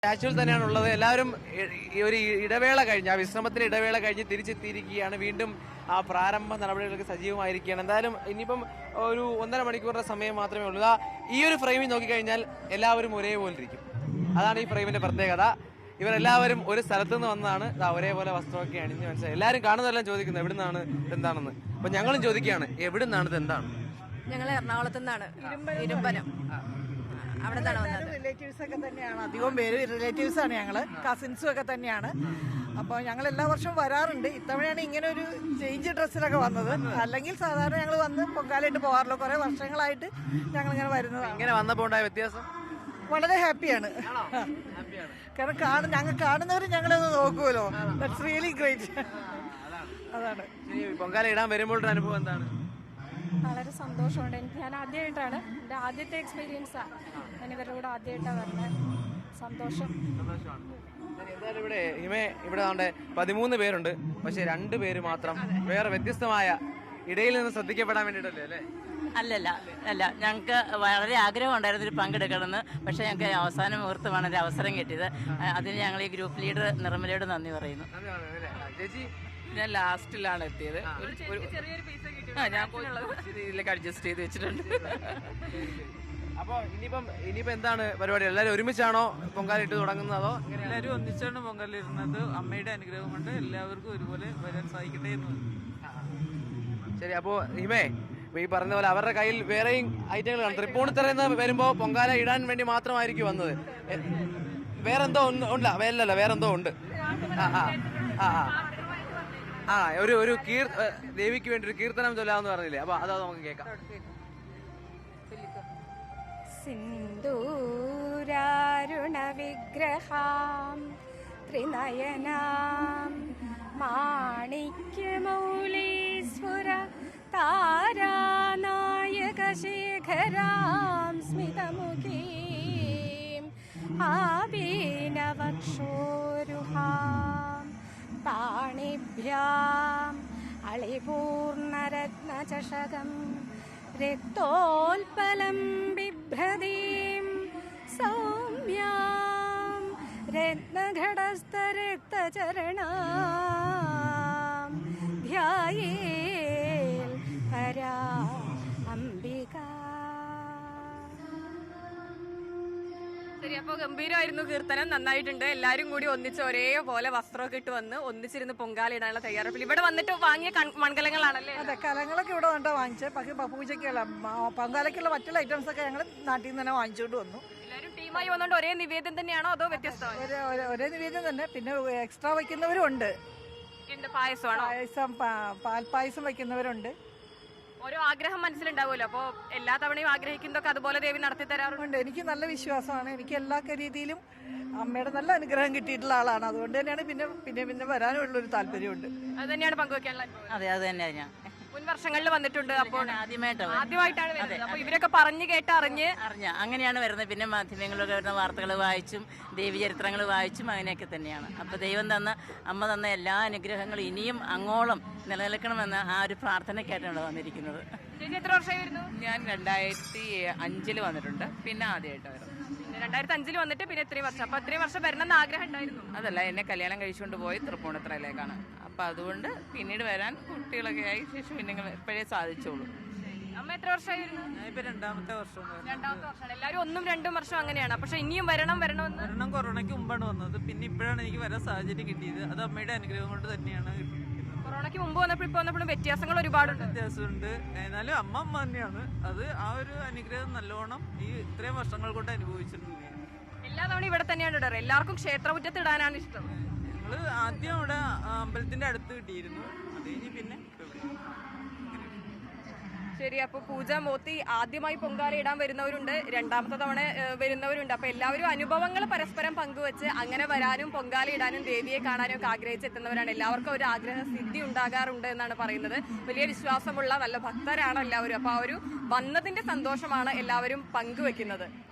സ്റ്റാച്യൂവിൽ തന്നെയാണുള്ളത്. എല്ലാവരും ഒരു ഇടവേള കഴിഞ്ഞ്, ആ വിശ്രമത്തിന് ഇടവേള കഴിഞ്ഞ് തിരിച്ചെത്തിയിരിക്കുകയാണ്. വീണ്ടും ആ പ്രാരംഭ നടപടികൾക്ക് സജീവമായിരിക്കുകയാണ്. എന്തായാലും ഇനിയിപ്പം ഒരു 1.5 മണിക്കൂറിന്റെ സമയം മാത്രമേ ഉള്ളൂ. ഈ ഒരു ഫ്രെയിമിൽ നോക്കിക്കഴിഞ്ഞാൽ എല്ലാവരും ഒരേപോലെ ഇരിക്കും. അതാണ് ഈ ഫ്രെയിമിന്റെ പ്രത്യേകത. ഇവരെല്ലാവരും ഒരു സ്ഥലത്തു നിന്ന് വന്നതാണ്. ഒരേപോലെ വസ്ത്രമൊക്കെ അണിഞ്ഞ് മനസ്സിലായി. എല്ലാവരും കാണുന്നതെല്ലാം ചോദിക്കുന്നത് എവിടുന്നാണ് എന്താണെന്ന്. അപ്പൊ ഞങ്ങളും ചോദിക്കുകയാണ്, എവിടുന്നാണ് ഇത് എന്താണ്? ഞങ്ങൾ എറണാകുളത്തു നിന്നാണ്, ഇരുമ്പനം. അവിടെ റിലേറ്റീവ്സ് ഒക്കെ തന്നെയാണ്, അധികം പേര് റിലേറ്റീവ്സ് ആണ്, ഞങ്ങള് കസിൻസും ഒക്കെ തന്നെയാണ്. അപ്പോൾ ഞങ്ങൾ എല്ലാ വർഷവും വരാറുണ്ട്. ഇത്തവണയാണ് ഇങ്ങനെ ഒരു ചേഞ്ച് ഡ്രസ്സിലൊക്കെ വന്നത്. അല്ലെങ്കിൽ സാധാരണ ഞങ്ങൾ വന്ന് പൊങ്കാലയിട്ട് പോകാറില്ല. കുറെ വർഷങ്ങളായിട്ട് ഞങ്ങൾ ഇങ്ങനെ വരുന്നതാണ്. ഇങ്ങനെ വന്നപ്പോൾ ഉണ്ടായ വ്യത്യാസം വളരെ ഹാപ്പിയാണ്. കാരണം ഞങ്ങൾ കാണുന്നവർ ഞങ്ങളൊന്ന് നോക്കുമല്ലോ. That's really great. അതാണ്. പൊങ്കാല ഇടാൻ വരുമ്പോൾ അനുഭവം എന്താണ്? വളരെ സന്തോഷമുണ്ട്. ഞാൻ ആദ്യമായിട്ടാണ്, എൻ്റെ ആദ്യത്തെ എക്സ്പീരിയൻസാണ്. ഞാൻ ഇവരുടെ കൂടെ ആദ്യമായിട്ടാണ് വരുന്നത്. സന്തോഷം. എന്തായാലും ഇവിടെ 13 പേരുണ്ട്. പക്ഷെ 2 പേര് മാത്രം വേറെ വ്യത്യസ്തമായ ഇടയിൽ നിന്ന് ശ്രദ്ധിക്കപ്പെടാൻ വേണ്ടിയിട്ടല്ലേ അല്ലേ? അല്ല, ഞങ്ങൾക്ക് വളരെ ആഗ്രഹം ഉണ്ടായിരുന്നു ഒരു പങ്കെടുക്കണമെന്ന്. പക്ഷേ ഞങ്ങൾക്ക് അവസാന മുഹൂർത്തമാണ് ഒരു അവസരം കിട്ടിയത്. അതിന് ഞങ്ങൾ ഈ ഗ്രൂപ്പ് ലീഡർ നിർമ്മലയോട് നന്ദി പറയുന്നു. ചേച്ചി, ഞാൻ ലാസ്റ്റിലാണ് എത്തിയത്. ഞാൻ രീതിയിലേക്ക് അഡ്ജസ്റ്റ് ചെയ്ത് വെച്ചിട്ടുണ്ട്. അപ്പൊ ഇനിയിപ്പോ എന്താണ് പരിപാടി? എല്ലാവരും ഒരുമിച്ചാണോ പൊങ്കാല ഇട്ട് തുടങ്ങുന്നത്, അതോ എല്ലാവരും ഒന്നിച്ചാണ് പൊങ്കാല ഇരുന്നത്? അമ്മയുടെ അനുഗ്രഹം കൊണ്ട് എല്ലാവർക്കും ഒരുപോലെ വരാൻ സാധിക്കട്ടെ എന്ന്. ശരി. അപ്പോ ഈ പറഞ്ഞ പോലെ അവരുടെ കയ്യിൽ വേറെയും ഐറ്റങ്ങൾ കാണും. തൃപ്പൂണിത്തറയിൽ നിന്ന് വരുമ്പോ പൊങ്കാല ഇടാൻ വേണ്ടി മാത്രമായിരിക്കും വന്നത്. വേറെന്തോ ഉണ്ടല്ല, വേറെന്തോ ഉണ്ട്. ഒരു ദേവിക്ക് വേണ്ടി ഒരു കീർത്തനം ചൊല്ലാന്ന് പറഞ്ഞില്ലേ? അപ്പൊ അതാ നമുക്ക് കേൾക്കാം. സിന്ദൂരാരുണ വിഗ്രഹാം ത്രിനയനാം മാണിക്യമൗലീശ്വര താരാനായകശേഖരാം സ്മിതമുഖീം ആവീനവക്ഷോരുഹാം പാണിഭ്യാം അളിപൂർണരത്നചഷകം രക്തോൽപലം ബിഭ്രതീം സൗമ്യാം രത്നഘടസ്ഥരക്തചരണാം ധ്യായേൽ പരാ അംബിക. ശരി, അപ്പൊ ഗംഭീരമായിരുന്നു കീർത്തനം, നന്നായിട്ടുണ്ട്. എല്ലാരും കൂടി ഒന്നിച്ച് ഒരേപോലെ വസ്ത്രമൊക്കെ ഇട്ട് വന്ന് ഒന്നിച്ചിരുന്ന് പൊങ്കാല ഇടാനുള്ള തയ്യാറെടുപ്പിൽ ഇവിടെ വന്നിട്ട് വാങ്ങിയ മൺകലങ്ങളാണല്ലേ? അതെ, കലങ്ങളൊക്കെ ഇവിടെ വന്നിട്ട് വാങ്ങിച്ചത്. പക്ഷേ പൂജയ്ക്കുള്ള പൊങ്കാലയ്ക്കുള്ള മറ്റുള്ള ഐറ്റംസ് ഒക്കെ ഞങ്ങൾ നാട്ടിൽ നിന്ന് തന്നെ വാങ്ങിച്ചുകൊണ്ട് വന്നു. എല്ലാരും ടീമായി വന്നോണ്ട് ഒരേ നിവേദ്യം തന്നെയാണോ അതോ വ്യത്യസ്തമാണ്? ഒരേ നിവേദ്യം തന്നെ. പിന്നെ എക്സ്ട്രാ വയ്ക്കുന്നവരും ഉണ്ട്. പായസമാണോ? പാൽപ്പായസം വയ്ക്കുന്നവരുണ്ട്. ഓരോ ആഗ്രഹം മനസ്സിലുണ്ടാവുമല്ലോ, അപ്പൊ എല്ലാ തവണയും ആഗ്രഹിക്കുന്നതൊക്കെ അതുപോലെ ദേവി നടത്തി തരാറുണ്ട്. എനിക്ക് നല്ല വിശ്വാസമാണ്. എനിക്ക് എല്ലാ രീതിയിലും അമ്മയുടെ നല്ല അനുഗ്രഹം കിട്ടിയിട്ടുള്ള ആളാണ്. അതുകൊണ്ട് തന്നെയാണ് പിന്നെ വരാനുള്ളൊരു താല്പര്യമുണ്ട്. അത് തന്നെയാണ് പങ്കുവെക്കാനുള്ള. അതെ, അത് തന്നെയാണ്. ഞാൻ മുൻ വർഷങ്ങളിൽ വന്നിട്ടുണ്ട്, അപ്പോൾ ആദ്യമായിട്ടാണ് വരുന്നത്. അപ്പൊ ഇവരൊക്കെ പറഞ്ഞു കേട്ട് അറിഞ്ഞ് അങ്ങനെയാണ് വരുന്നത്. പിന്നെ മാധ്യമങ്ങളിലൊക്കെ വരുന്ന വാർത്തകൾ വായിച്ചും ദേവീചരിത്രങ്ങൾ വായിച്ചും അങ്ങനെയൊക്കെ തന്നെയാണ്. അപ്പോൾ അമ്മ തന്ന എല്ലാ അനുഗ്രഹങ്ങളും ഇനിയും അങ്ങോളം നിലനിൽക്കണമെന്ന ആ ഒരു പ്രാർത്ഥനയ്ക്കായിട്ടാണ് വന്നിരിക്കുന്നത്. എത്ര വർഷമായിരുന്നു? ഞാൻ 2005 വന്നിട്ടുണ്ട്. പിന്നെ ആദ്യമായിട്ട് വരുന്നത് 2005 വന്നിട്ട് പിന്നെ ഇത്രയും വർഷം. അപ്പൊ ഇത്രയും വർഷം വരണമെന്ന് ആഗ്രഹം ഉണ്ടായിരുന്നു? അതല്ല, എന്നെ കല്യാണം കഴിച്ചുകൊണ്ട് പോയി തൃപ്പൂണിത്തറയിലേക്കാണ്. അപ്പൊ അതുകൊണ്ട് പിന്നീട് വരാൻ കുട്ടികളൊക്കെ ആയി ശേഷം പിന്നെ ഇപ്പോഴേ സാധിച്ചോളൂ. അമ്മ എത്ര വർഷമായിരുന്നു? ഇപ്പൊ 2ാമത്തെ വർഷം. 2ാമത്തെ വർഷമാണ്. എല്ലാവരും 1-2 വർഷം അങ്ങനെയാണ്. പക്ഷെ ഇനിയും വരണമെന്ന് കൊറോണയ്ക്ക് മുമ്പാണ് വന്നത്. പിന്നെ ഇപ്പോഴാണ് എനിക്ക് വരാൻ സാഹചര്യം കിട്ടിയത്. അത് അമ്മയുടെ അനുഗ്രഹം കൊണ്ട് തന്നെയാണ്. കൊറോണയ്ക്ക് മുമ്പ് വന്നപ്പോൾ ഇപ്പൊ വന്നപ്പോഴും വ്യത്യാസങ്ങൾ ഒരുപാടുണ്ട്. വ്യത്യാസമുണ്ട്. എന്നാലും അമ്മ തന്നെയാണ്. അത് ആ ഒരു അനുഗ്രഹം നല്ലോണം ഈ ഇത്രയും വർഷങ്ങൾ കൊണ്ട് അനുഭവിച്ചിട്ടുണ്ട്. എല്ലാ തവണ ഇവിടെ തന്നെയാണ് ഇടാറ്. എല്ലാവർക്കും ക്ഷേത്രമുറ്റത്ത് ഇടാനാണ് ഇഷ്ടം. ഞങ്ങള് ആദ്യം ഇവിടെ അമ്പലത്തിന്റെ അടുത്ത് കിട്ടിയിരുന്നു. അത് കഴിഞ്ഞ് പിന്നെ ശരി. അപ്പൊ പൂജ മോത്തി ആദ്യമായി പൊങ്കാല ഇടാൻ വരുന്നവരുണ്ട്, 2ാമത്തെ തവണ വരുന്നവരുണ്ട്. അപ്പൊ എല്ലാവരും അനുഭവങ്ങൾ പരസ്പരം പങ്കുവെച്ച് അങ്ങനെ വരാനും പൊങ്കാല ഇടാനും ദേവിയെ കാണാനും ഒക്കെ ആഗ്രഹിച്ചെത്തുന്നവരാണ്. എല്ലാവർക്കും ഒരു ആഗ്രഹ സിദ്ധി ഉണ്ടാകാറുണ്ട് എന്നാണ് പറയുന്നത്. വലിയ വിശ്വാസമുള്ള നല്ല ഭക്തരാണ് എല്ലാവരും. അപ്പൊ ആ ഒരു വന്നതിന്റെ സന്തോഷമാണ് എല്ലാവരും പങ്കുവെക്കുന്നത്.